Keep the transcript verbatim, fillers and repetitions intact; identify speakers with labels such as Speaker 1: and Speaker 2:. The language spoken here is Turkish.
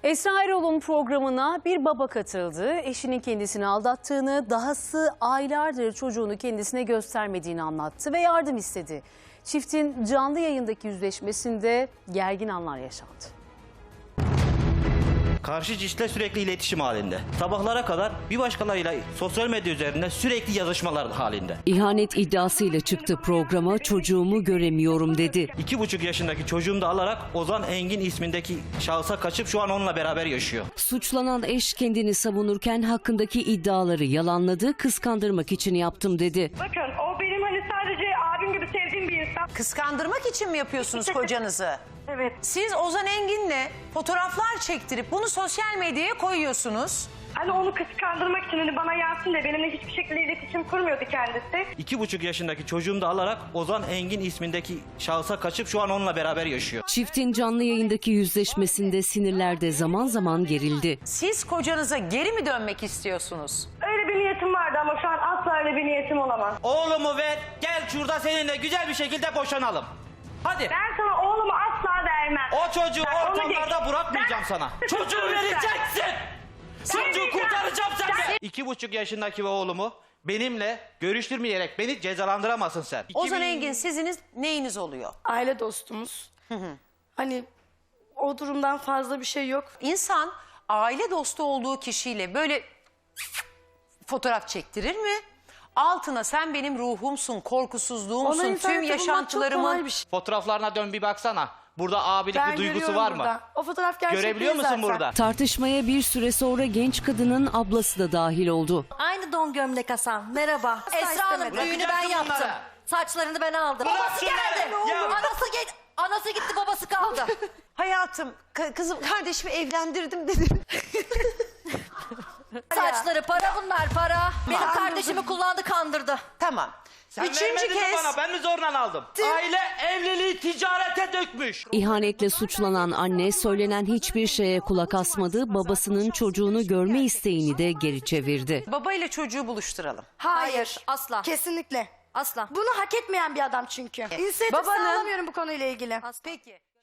Speaker 1: Esra Erol'un programına bir baba katıldı. Eşinin kendisini aldattığını, dahası aylardır çocuğunu kendisine göstermediğini anlattı ve yardım istedi. Çiftin canlı yayındaki yüzleşmesinde gergin anlar yaşandı.
Speaker 2: Karşı cinsle sürekli iletişim halinde. Sabahlara kadar bir başkalarıyla sosyal medya üzerinde sürekli yazışmalar halinde.
Speaker 3: İhanet iddiasıyla çıktı programa, çocuğumu göremiyorum dedi.
Speaker 2: İki buçuk yaşındaki çocuğumu da alarak Ozan Engin ismindeki şahısa kaçıp şu an onunla beraber yaşıyor.
Speaker 3: Suçlanan eş kendini savunurken hakkındaki iddiaları yalanladı, kıskandırmak için yaptım dedi.
Speaker 4: Bakın o benim hani sadece abim gibi sevdiğim bir insan.
Speaker 5: Kıskandırmak için mi yapıyorsunuz kocanızı?
Speaker 4: Evet.
Speaker 5: Siz Ozan Engin'le fotoğraflar çektirip bunu sosyal medyaya koyuyorsunuz.
Speaker 4: Hani onu kıskandırmak için hani bana yansın diye benimle hiçbir şekilde iletişim kurmuyordu kendisi.
Speaker 2: İki buçuk yaşındaki çocuğumu da alarak Ozan Engin ismindeki şahısa kaçıp şu an onunla beraber yaşıyor.
Speaker 3: Çiftin canlı yayındaki yüzleşmesinde sinirler de zaman zaman gerildi.
Speaker 5: Siz kocanıza geri mi dönmek istiyorsunuz?
Speaker 4: Öyle bir niyetim vardı ama şu an asla öyle bir niyetim olamaz.
Speaker 2: Oğlumu ver, gel şurada seninle güzel bir şekilde boşanalım. Hadi.
Speaker 4: Ben sana oğlumu asla vermem.
Speaker 2: O çocuğu
Speaker 4: Ben onu
Speaker 2: ortamlarda
Speaker 4: geç-
Speaker 2: bırakmayacağım
Speaker 4: Ben-
Speaker 2: sana.
Speaker 4: Ben-
Speaker 2: Çocuğu
Speaker 4: Ben-
Speaker 2: vereceksin. Çocuğu
Speaker 4: Vermeyeceğim.
Speaker 2: kurtaracağım senden.
Speaker 4: Ben-
Speaker 2: İki buçuk yaşındaki oğlumu benimle görüştürmeyerek beni cezalandıramazsın sen.
Speaker 5: Ozan
Speaker 2: iki bin
Speaker 5: Engin siziniz neyiniz oluyor?
Speaker 6: Aile dostumuz. Hani o durumdan fazla bir şey yok.
Speaker 5: İnsan aile dostu olduğu kişiyle böyle fotoğraf çektirir mi? Altına sen benim ruhumsun, korkusuzluğumsun,
Speaker 6: Ona
Speaker 5: tüm
Speaker 6: internette bulmak çok
Speaker 5: yaşantılarımın...
Speaker 6: kolay bir şey.
Speaker 2: Fotoğraflarına dön bir baksana. Burada abilik
Speaker 6: Ben
Speaker 2: bir duygusu
Speaker 6: görüyorum
Speaker 2: var mı?
Speaker 6: burada. O fotoğraf gerçek
Speaker 2: Görebiliyor
Speaker 6: değil
Speaker 2: musun
Speaker 6: zaten.
Speaker 2: burada?
Speaker 3: Tartışmaya bir süre sonra genç kadının ablası da dahil oldu.
Speaker 7: Aynı don gömlek Hasan. Merhaba. Esra Hanım
Speaker 6: istemedim.
Speaker 7: düğünü ben
Speaker 2: Bırakacaksın
Speaker 7: yaptım.
Speaker 2: bunları.
Speaker 7: Saçlarını ben aldım.
Speaker 2: Bırak
Speaker 7: Babası
Speaker 2: şunları.
Speaker 7: geldi.
Speaker 2: Ya.
Speaker 7: Anası, gel anası gitti, babası kaldı.
Speaker 5: Hayatım, ka- kızım kardeşimi evlendirdim dedim.
Speaker 7: Saçları para bunlar, para. Benim kardeşimi kullandı, kandırdı.
Speaker 5: Tamam.
Speaker 2: Sen
Speaker 5: Üçüncü
Speaker 2: vermedin mi
Speaker 5: kez...
Speaker 2: bana? Ben mi zorla aldım? Aile evliliği ticarete dökmüş.
Speaker 3: İhanetle suçlanan anne söylenen hiçbir şeye kulak asmadı, babasının çocuğunu görme isteğini de geri çevirdi.
Speaker 5: Baba ile çocuğu buluşturalım.
Speaker 6: Hayır.
Speaker 7: Hayır, asla.
Speaker 6: Kesinlikle.
Speaker 7: Asla.
Speaker 6: Bunu hak etmeyen bir adam çünkü. İnisiyatif
Speaker 5: Babanın-
Speaker 6: sağlamıyorum bu konuyla ilgili.
Speaker 5: Peki.